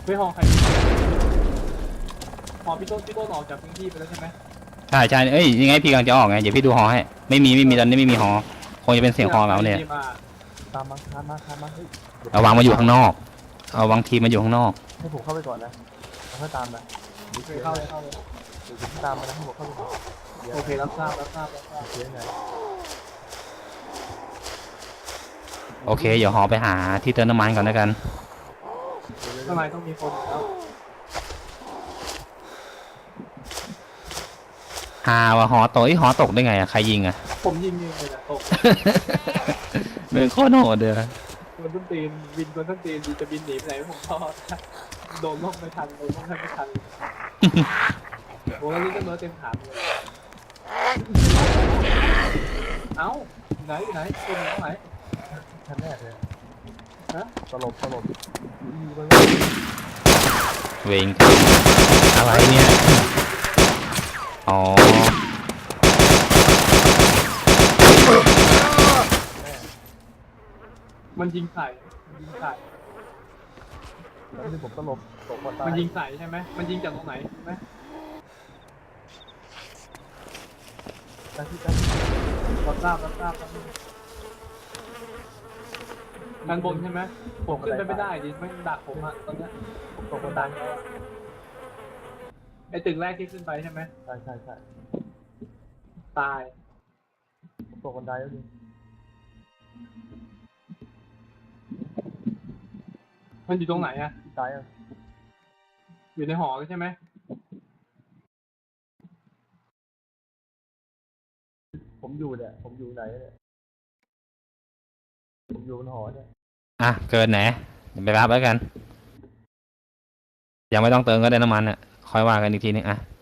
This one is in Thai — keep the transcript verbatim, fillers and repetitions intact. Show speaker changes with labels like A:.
A: ไม่หอใครหอพี่ต้นพี่ต้นออกจากพื้นที่ไปแล้วใช่ไหม
B: ใช่ใช่เอ้ยยังไงพี่กำลังจะออกไงเดี๋ยวพี่ดูหอให้ไม่มีไม่มีตอนนี้ไม่มีหอคงจะเป็นเสียงหอเราเนี่ย
C: ตามมาตามมาตามมาเฮ้ย
B: เอาวางมาอยู่ข้างนอกเอาวางทีมาอยู่ข้างนอก
C: ให้ผมเข้าไปก่อนนะแล้วค่อยตามนะ
A: โอเคเข้าเลยเข้าเลย
C: เดี๋ยวผมตามมานะให้ผมเข้าไปก่อน
A: โอเครับทราบรับทราบรับทราบ
C: เดี๋ยวไง
B: โอเคเดี๋ยวหอไปหาที่เติมน้ำมันก่อนแล้วกัน
A: ข้างในต้องมีคนแล้ว
B: หาว่าหอตกไอ้หอตกได้ไงอะใครยิงอะ
A: ผมยิงยิงเลยนะตก
B: เป็นโคตรโหดเด้อ
A: คนต้นตีนบินคนต้นตีนจะบินหนีไปไหนผมก็โดนล่มไม่ทันโดนล่มไม่ทันโอ้แล้วนี่ก็เนื้อเต็มขาเลยเอ้าไหนไหนคนอยู่ตรงไหน
C: ชั้นแรกเลย
A: ฮะ
C: ตลบตลบ
B: เวงอะไรเนี่ยอ๋อ
A: มันยิงใส่มันยิงใส่
C: แล้วที่ผมตลบตกมาตาย
A: มันยิงใส่ใช่ไหมมันยิงจากตรงไหนใช่ไหม
C: ตายที่ตาย
A: รับทราบรับทราบครับด้านบนใช่ไหมผมขึ้นไปไม่ได้ดิไม่ดักผมอะตอนเนี้ย
C: ผมตก
A: มั
C: มาน
A: ดั
C: ตาย
A: งแล้วอะไอ้ตึกแรกที่ขึ้นไปใช่ไหม
C: ใช่ใช่ใช่
A: ตาย
C: ผมตกบันไดแล้วดิ
A: มันอยู่ตรงไหนอะ
C: ตายอ่ะ
A: อยู่ในหอใช่ไหม
C: ผมอยู่เนี่ยผมอยู่ไหนเนี่ยผมอยู่บนหอเนี่ย
B: อ่ะเกินไหนเดี๋ยวไปรับแล้วกันยังไม่ต้องเติมก็ได้น้ำมันอ่ะค่อยว่ากันอีกทีนึงอ่ะ